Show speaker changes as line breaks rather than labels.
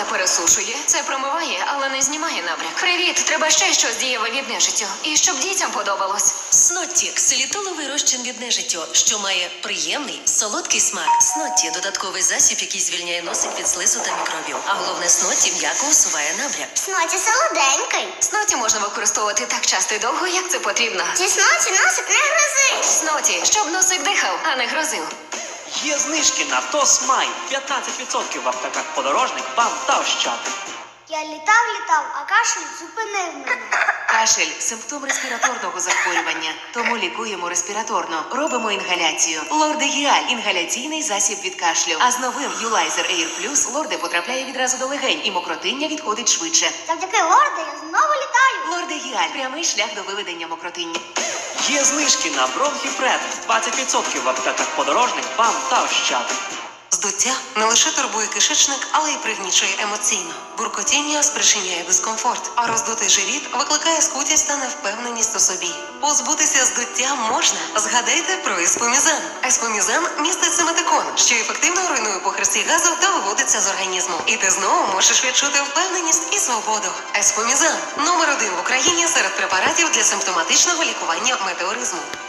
пересушує. Це промиває, але не знімає набряк. Привіт, треба ще щось дієве від нежиттю. І щоб дітям подобалось.
Снотті – ксилітоловий розчин від нежиттю, що має приємний, солодкий смак. Снотті – додатковий засіб, який звільняє носик від слизу та мікробів. А головне, Снотті м'яко усуває набряк.
Сноті солоденький.
Сноті можна використовувати так часто і довго, як це потрібно.
Зі сноті носик не грози.
Сноті, щоб носик дихав, а не грозив.
Є знижки на Тосмай. 15% в аптеках «Подорожник», «БАМ» та «Ощад».
Я літав, а кашель зупинив мене.
Кашель – симптом респіраторного захворювання, тому лікуємо респіраторно. Робимо інгаляцію. Лордегіаль – інгаляційний засіб від кашлю. А з новим Юлайзер Air Plus Лорде потрапляє відразу до легень і мокротиння відходить швидше.
Завдяки лорду я знову літаю.
Лордегіаль – прямий шлях до виведення мокротиння.
Є знижки на Бронхіпред. 20% в аптеках «Подорожник», «БАМ» та «Ощад».
Здуття не лише турбує кишечник, але й пригнічує емоційно. Буркотіння спричиняє дискомфорт, а роздутий живіт викликає скутість та невпевненість у собі. Позбутися здуття можна. Згадайте про еспомізан. Еспомізан містить симетикон, що ефективно руйнує похресті газу та виводиться з організму. І ти знову можеш відчути впевненість і свободу. Еспомізан – номер 1 в Україні серед препаратів для симптоматичного лікування метеоризму.